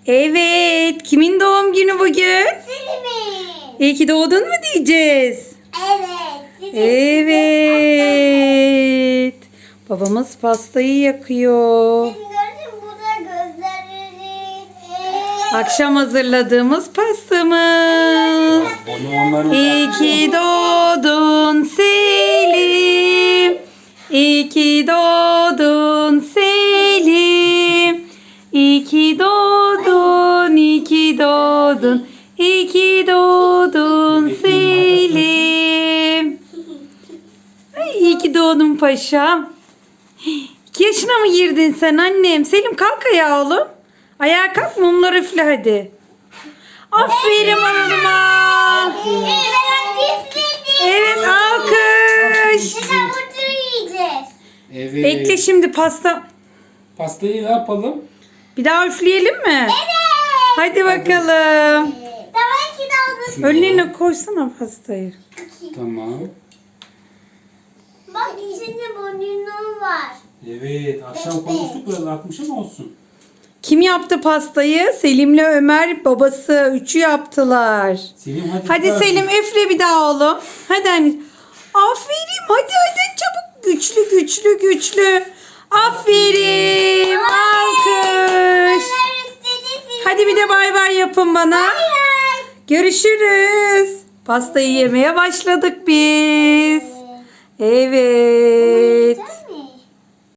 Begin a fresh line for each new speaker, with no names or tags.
Evet. Kimin doğum günü bugün?
Selim'in.
İyi ki doğdun mu diyeceğiz?
Evet.
Evet. Babamız pastayı yakıyor.
Selim gördün mü? Bu da gözleri.
Akşam hazırladığımız pastamız. İyi ki doğdun Selim. İyi ki doğdun Selim. İyi ki doğdun, iyi ki doğdun. İyi ki doğdun Selim. Ay, iyi ki doğdun paşam. 2 yaşına mı girdin sen annem? Selim kalk ayağa oğlum. Ayağa kalk, mumları üfle hadi. Aferin oğluma. Evet, alkış.
Şimdi hamburger yiyeceğiz.
Evet.
Bekle şimdi pasta.
Pastayı ne yapalım?
Bir daha üfleyelim mi?
Evet.
Hadi bakalım.
Daha iki dalga.
Önlerine koysana pastayı.
Tamam.
Bak içinde bonibon var.
Evet. Akşam konuştuk biraz artmış ama olsun.
Kim yaptı pastayı? Selim'le Ömer babası. Üçü yaptılar.
Selim hadi.
Hadi
biraz.
Selim üfle bir daha oğlum. Hadi anne. Aferin, hadi çabuk. Güçlü güçlü güçlü. Aferin. Alkış. Hadi bir de bay bay yapın bana. Görüşürüz. Pastayı yemeye başladık biz. Evet.